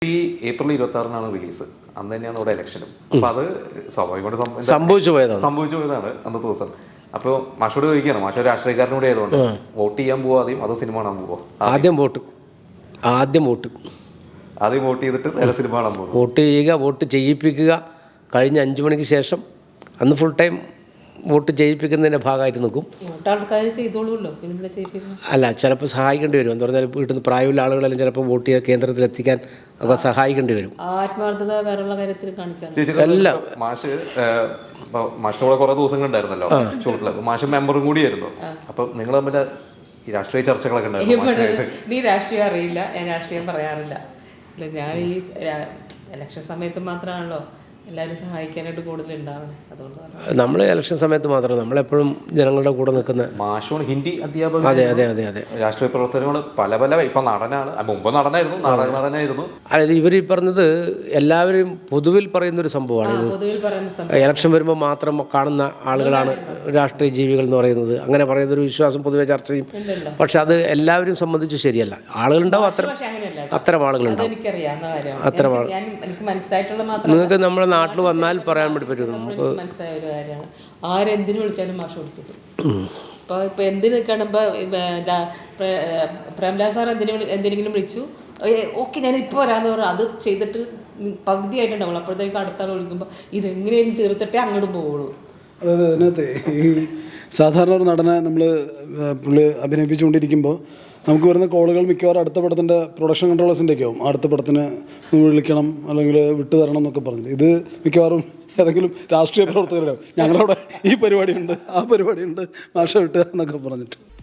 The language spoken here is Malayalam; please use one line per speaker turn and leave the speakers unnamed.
ഈ ഏപ്രിൽ 26-നാണ് റിലീസ്. അന്ന് തന്നെയാണ് ഇവിടെ ഇലക്ഷനും. അപ്പൊ അത് സ്വാഭാവികമായിട്ട്
സംഭവിച്ചു പോയതാണ്
അന്നത്തെ ദിവസം. അപ്പോൾ മാഷോട് ചോദിക്കുകയാണ്, മാഷോ രാഷ്ട്രീയക്കാരനും കൂടെ ആയതുകൊണ്ട് വോട്ട് ചെയ്യാൻ പോവാ ആദ്യം അതോ സിനിമ കാണാൻ പോവോ?
ആദ്യം വോട്ട്
ചെയ്തിട്ട് നേരെ സിനിമ കാണാൻ പോകും.
വോട്ട് ചെയ്യുക, വോട്ട് ചെയ്യിപ്പിക്കുക. കഴിഞ്ഞ 5 മണിക്ക് ശേഷം അന്ന് ഫുൾ ടൈം വോട്ട് ചെയ്യിപ്പിക്കുന്നതിൻ്റെ ഭാഗമായിട്ട് നിൽക്കും. അല്ല, ചിലപ്പോൾ സഹായിക്കേണ്ടി വരും. എന്ന് പറഞ്ഞാൽ വീട്ടിൽ നിന്ന് പ്രായമുള്ള ആളുകളെല്ലാം ചിലപ്പോൾ വോട്ട് ചെയ്യാൻ കേന്ദ്രത്തിലെത്തിക്കാൻ ഒക്കെ സഹായിക്കേണ്ടി വരും.
ആത്മാർത്ഥത വേറെയുള്ള കാര്യത്തിൽ കാണിക്കാൻ
എല്ലാം മാഷിനോടെ കുറെ ദിവസങ്ങളുണ്ടായിരുന്നല്ലോ ഷൂട്ടില്. മാഷ് മെമ്പറും കൂടിയായിരുന്നു. അപ്പൊ നിങ്ങൾ തമ്മിൽ ഈ രാഷ്ട്രീയ ചർച്ചകളൊക്കെ ഉണ്ടായിരുന്നു.
നീ രാഷ്ട്രീയം അറിയില്ല, ഞാൻ രാഷ്ട്രീയം പറയാറില്ല. ഞാൻ ഈ ഇലക്ഷൻ സമയത്ത് മാത്രമാണല്ലോ എല്ലാവരും സഹായിക്കാനായിട്ട് കൂടുതൽ ഉണ്ടാവണേ. അതുകൊണ്ട്
നമ്മൾ ഇലക്ഷൻ സമയത്ത് മാത്രം, നമ്മളെപ്പോഴും ജനങ്ങളുടെ കൂടെ നിൽക്കുന്ന
മാഷോണ് ഹിന്ദി അധ്യാപകൻ.
അതെ
രാഷ്ട്രീയ പ്രവർത്തനങ്ങൾ പല ഇപ്പൊ നടനാണ്, മുമ്പ് നടനായിരുന്നു.
അതായത് ഇവർ ഈ പറഞ്ഞത് എല്ലാവരും പൊതുവിൽ പറയുന്നൊരു സംഭവമാണ് ഇത്. ഇലക്ഷൻ വരുമ്പോൾ മാത്രം കാണുന്ന ആളുകളാണ് രാഷ്ട്രീയ ജീവികൾ എന്ന് പറയുന്നത്. അങ്ങനെ പറയുന്നൊരു വിശ്വാസം പൊതുവെ ചർച്ച ചെയ്യും. പക്ഷെ അത് എല്ലാവരും സംബന്ധിച്ച് ശരിയല്ല. ആളുകളുണ്ടാവും, അത്തരം ആളുകളുണ്ടാവും. അത്തരം ആളുകൾ നിങ്ങൾക്ക് നമ്മുടെ നാട്ടിൽ വന്നാൽ പറയാൻ പറ്റും. നമുക്ക്
മനസ്സിലായ ഒരു കാര്യമാണ്. ആരെന്തിനു വിളിച്ചാലും മാഷ് കൊടുത്തിട്ടു. ഇപ്പൊ എന്തിനു കാണുമ്പോ പ്രേംലാൽ സാർ എന്തിനെങ്കിലും വിളിച്ചു, ഓക്കെ ഞാൻ ഇപ്പോൾ വരാന്ന് പറഞ്ഞു. അത് ചെയ്തിട്ട് പകുതി ആയിട്ടുണ്ടാവുള്ളൂ. അപ്പോഴത്തേക്ക് അടുത്ത ആൾ വിളിക്കുമ്പോൾ ഇതെങ്ങനെയും തീർത്തിട്ടേ അങ്ങോട്ട് പോവുള്ളൂ.
അതായത് അതിനകത്ത് ഈ സാധാരണ ഒരു നടനെ നമ്മൾ പുള്ളി അഭിനയിപ്പിച്ചുകൊണ്ടിരിക്കുമ്പോൾ നമുക്ക് വരുന്ന കോളുകൾ മിക്കവാറും അടുത്ത പടത്തിൻ്റെ പ്രൊഡക്ഷൻ കൺട്രോളേഴ്സിൻ്റെ ഒക്കെ ആവും. അടുത്ത പടത്തിന് വിളിക്കണം അല്ലെങ്കിൽ വിട്ടു തരണം എന്നൊക്കെ പറഞ്ഞിട്ട്. ഇത് മിക്കവാറും ഏതെങ്കിലും രാഷ്ട്രീയ പ്രവർത്തകരുടെ ഞങ്ങളവിടെ ഈ പരിപാടിയുണ്ട്, ആ പരിപാടിയുണ്ട്, മാഷ വിട്ടു തരണം എന്നൊക്കെ പറഞ്ഞിട്ട്.